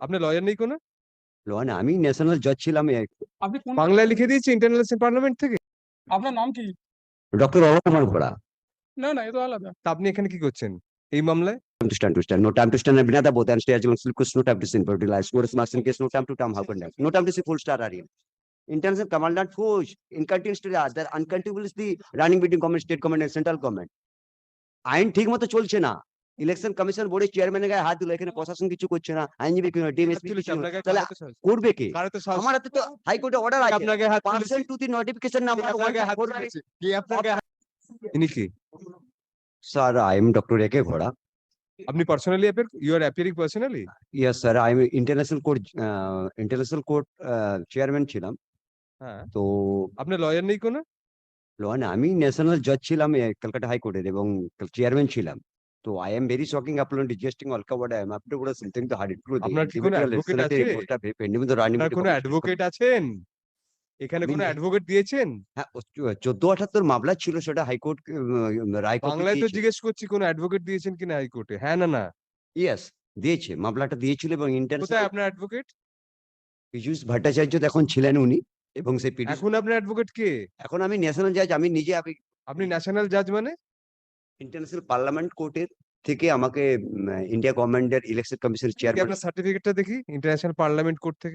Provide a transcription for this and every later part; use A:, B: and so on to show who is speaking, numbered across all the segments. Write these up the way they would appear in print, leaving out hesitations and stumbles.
A: আপনার লয়ার নেই কোনো?
B: লন আমি ন্যাশনাল জজ ছিলাম
C: আপনি কোন
A: বাংলায় লিখে দিয়েছি ইন্টারন্যাশনাল পার্লামেন্ট থেকে।
C: আপনার নাম কি?
B: ডক্টর অলোক কুমার ঘোড়া।
C: না না, এ তো আলাদা।
A: তা আপনি এখানে কি করছেন এই মামলায়?
B: To stand. No time to stand. Binada both and stay as long as no time to sin. But realize what is marching case. No time to time. How can that? No time to see full star area. International commandant push. Incontinence to the other. Uncountable is the running between government, state government and central government. আইন ঠিক মতো চলছে না। Election commission বোর্ডের চেয়ারম্যানের গায়ে হাত দিল, এখানে প্রশাসন কিছু করছে না, আইনজীবী ডিএমএসপি তাহলে করবে কে? আমার হাতে তো হাইকোর্টে অর্ডার আছে,
A: আপনাকে হাত
B: percent to the notification number 1
A: কি আপনাকে ইনি কি?
B: স্যার আই এম ডক্টর একে ঘোড়া।
A: আপনি personally you are appearing personally?
B: Yes sir, I am international court chairman ছিলাম।
A: হ্যাঁ,
B: তো
A: আপনার লয়ার নেই কোনো?
B: লন আমি ন্যাশনাল জজ ছিলাম কলকাতা হাইকোর্টের এবং চেয়ারম্যান ছিলাম। তো I am very shocking upon digesting all covered I am after বড় সামথিং টু হার্ড ট্রু।
A: আপনার কি কোনো অ্যাডভোকেট আছে? আপনার কোনো অ্যাডভোকেট আছেন এখানে? কোনো অ্যাডভোকেট দিয়েছেন?
B: হ্যাঁ, 1478 মামলা ছিল, সেটা হাইকোর্ট রায়
A: বাংলায় তো জিজ্ঞেস করছি কোনো অ্যাডভোকেট দিয়েছেন কিনা হাইকোর্টে? হ্যাঁ না না?
B: ইয়েস দিয়েছে, মামলাটা দিয়েছিল এবং
A: কোথায়
B: ইন্টারন্যাশনাল
A: আপনার অ্যাডভোকেট?
B: পীযূষ ভট্টাচার্য এখন ছিলেন উনি, এবং সেই পীযূষ
A: এখন আপনার অ্যাডভোকেট কে?
B: এখন আমি ন্যাশনাল জাজ। আমি নিজে
A: আপনি ন্যাশনাল জাজ মানে?
B: ইন্টারন্যাশনাল পার্লামেন্ট কোর্টের থেকে আমাকে ইন্ডিয়া গভর্নমেন্টের ইলেকশন কমিশনের চেয়ারম্যান।
A: আপনার সার্টিফিকেটটা দেখি ইন্টারন্যাশনাল পার্লামেন্ট কোর্ট থেকে।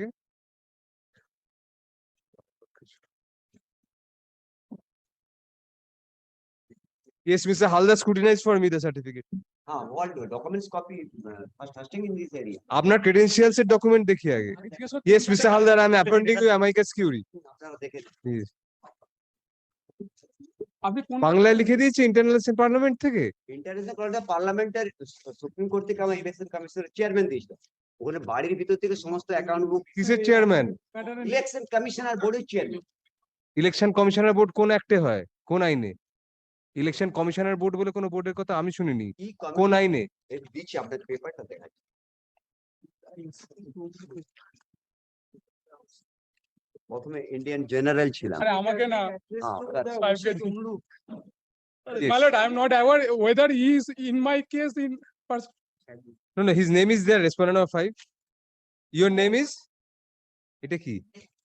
A: Yes, Mr. Halda scrutinized for me the certificate.
B: all documents copy first in this area.
A: আপনার credentials এর ডকুমেন্ট দেখি আগে। Yes, Mr. Haldar, I am appointing you amicus curiae.
B: আপনারা দেখে
A: Yes.
C: আপনি কোন
A: বাংলায় লিখে দিয়েছি ইন্টারন্যাশনাল পার্লামেন্ট থেকে।
B: ইন্টারন্যাশনাল পার্লামেন্টের সুপ্রিম কোর্ট থেকে আমার ইলেকশন কমিশনের চেয়ারম্যান দিয়েছিল, ওখানে বাড়ির ভিতর থেকে সমস্ত অ্যাকাউন্ট বুক।
A: কিসের চেয়ারম্যান?
B: ইলেকশন কমিশনার বোর্ডের চেয়ারম্যান।
A: ইলেকশন কমিশনার বোর্ড কোন অ্যাক্টে হয়, কোন আইনে? ইলেকশন কমিশনার বোর্ড বলে কোনো বোর্ডের কথা আমি শুনিনি। কোন আইনে?
B: এই দিচ্ছি আপনাদের পেপারটা দেখাই। প্রথমে ইন্ডিয়ান জেনারেল ছিলাম।
C: আরে আমাকে না,
A: Yes.
C: my lord, I am not aware whether he is in my case in person.
A: No, no, his name is there, respondent number 5. Your name is? এটা কি?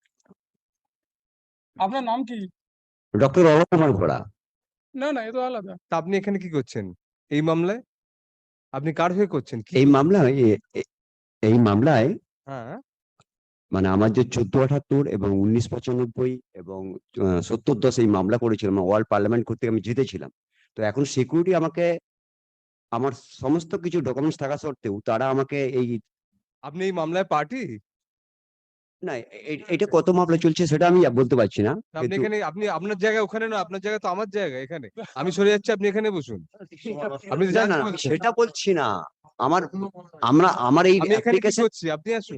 C: আপনার নাম কি?
B: ডক্টর অলোক কুমার ঘোড়া।
C: না না, এ তো আলাদা।
A: তা আপনি এখানে কি করছেন এই মামলায়? আপনি কার হয়ে করছেন? কি
B: এই মামলায়
A: হ্যাঁ,
B: মানে আমার যে 1478 এবং 1995 এবং 70-10 এই মামলা করেছিলাম, ওয়ার্ল্ড পার্লামেন্ট করতে আমি জিতেছিলাম। তো এখন সিকিউরিটি আমাকে, আমার সমস্ত কিছু ডকুমেন্টস থাকা সত্ত্বেও তারা আমাকে এই
A: আপনি এই মামলায় পার্টি?
B: না, এটা কত মামলা চলছে সেটা আমি বলতে পারছি না।
A: আপনি এখানে, আপনি আপনার জায়গা ওখানে না, আপনার জায়গা তো আমার জায়গা এখানে। আমি সরে যাচ্ছি, আপনি এখানে বসুন। আপনি
B: না না সেটা বলছি না, আমার এই
A: আমি এখানে কি
B: অ্যাপ্লিকেশন,
A: করছি, আপনি আসুন।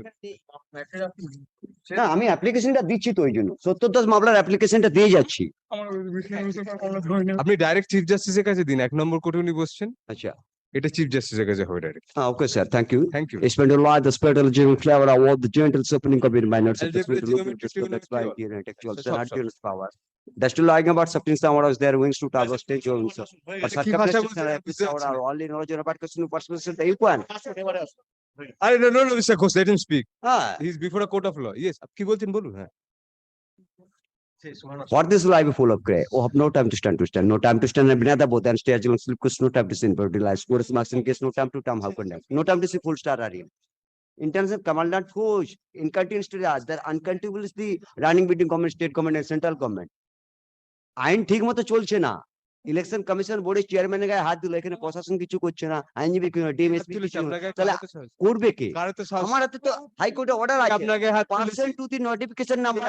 B: না আমি অ্যাপ্লিকেশনটা দিচ্ছি তো, ওই জন্য 70-10 মামলার অ্যাপ্লিকেশনটা দিয়ে যাচ্ছি।
C: আমার আমরা ধরে নেব।
A: আপনি ডাইরেক্ট চিফ জাস্টিসের কাছে দিন, 1 নম্বর কোর্টে উনি বসছেন।
B: আচ্ছা,
A: এটা চিফ জাস্টিসের কাছে হবে direct.
B: Okay sir, thank you.
A: Thank you.
B: Spend a lot, the spirit of the general flavor of the gentle opening of your minor
A: I'll give the geometry
B: intellectual
A: Sure,
B: and power. That's to lying about substance power is their wings to travel stage or so. But
A: কি ভাষা
B: circumstances
A: বলছেন?
B: and episodes are only knowledge about question person the equal.
A: আরে no, Mr. Ghosh, let him speak.
B: Ah,
A: He is before a court of law. Yes, কি বলছেন বলুন। হ্যাঁ,
B: for this life full of gray. Oh, have no time to stand. No time to stand and binada both and stay as long as no time to sin. But realize what is marching case. No time to time. How can that? No time to see full star area. International commandant push. Incontinence to the other. Uncountable is the running between government, state government and central government. আইন ঠিক মতো চলছে না। Election commission বোর্ডের চেয়ারম্যানের গায়ে হাত দিল, এখানে প্রশাসন কিছু করছে না, আইনজীবী ডিএমএসপি তাহলে করবে কে? আমার হাতে তো হাইকোর্টে অর্ডার আছে,
A: আপনাকে হাত
B: percent to the notification number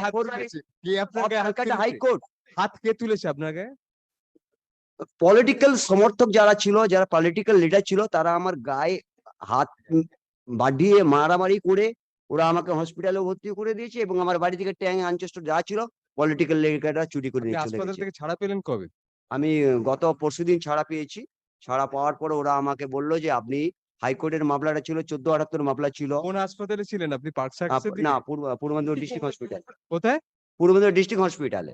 B: high court.
A: হাত কে তুলেছে আপনাকে?
B: পলিটিক্যাল সমর্থক যারা ছিল, যারা পলিটিক্যাল লিডার ছিল, তারা আমার গায়ে হাত বাড়িয়ে মারামারি করে ওরা আমাকে হসপিটালে ভর্তি করে দিয়েছে এবং আমার বাড়ি থেকে ট্যাং আনচেস্ট যা ছিল পলিটিক্যাল লিডাররা চুরি করে নিয়ে চলে
A: হাসপাতাল
B: গেছে।
A: থেকে ছাড়া পেলেন কবে?
B: আমি গত পরশুদিন ছাড়া পেয়েছি। ছাড়া পাওয়ার পরে ওরা আমাকে বললো যে আপনি হাইকোর্টের মামলাটা ছিল 1478 মামলা ছিল।
A: কোন হাসপাতালে ছিলেন আপনি? পার্ক সার্কাসের দিকে?
B: না, পূর্ব মেদিনীপুর ডিস্ট্রিক্ট হসপিটাল।
A: কোথায়?
B: পূর্ব মেদিনীপুর ডিস্ট্রিক্ট হসপিটালে।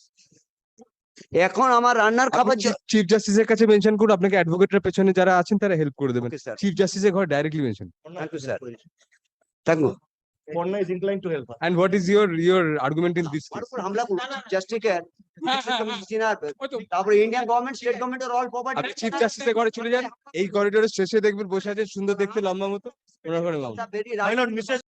B: এখন আমার রান্নার খাবার
A: চিফ জাস্টিসের কাছে মেনশন করুন, আপনাকে অ্যাডভোকেটের পেছনে যারা আছেন তারা হেল্প করে দেবেন।
B: ওকে স্যার,
A: চিফ জাস্টিসের ঘর directly mention.
B: Thank you sir. Thank you.
D: Ponna is inclined to help her.
A: And what is your argument in this
B: और
A: case?
B: ऊपर हमला just take care. তারপরে ইন্ডিয়ান গভর্নমেন্ট স্টেট গভর্নমেন্ট আর all property
A: আপনি chief জাস্টিসের ঘরে চলে যান, এই করিডোরের শেষে দেখবেন বসে আছে সুন্দর দেখতে লম্বা মতো, ওনার ঘরে মামলা।
B: Very
D: My lord, Mrs.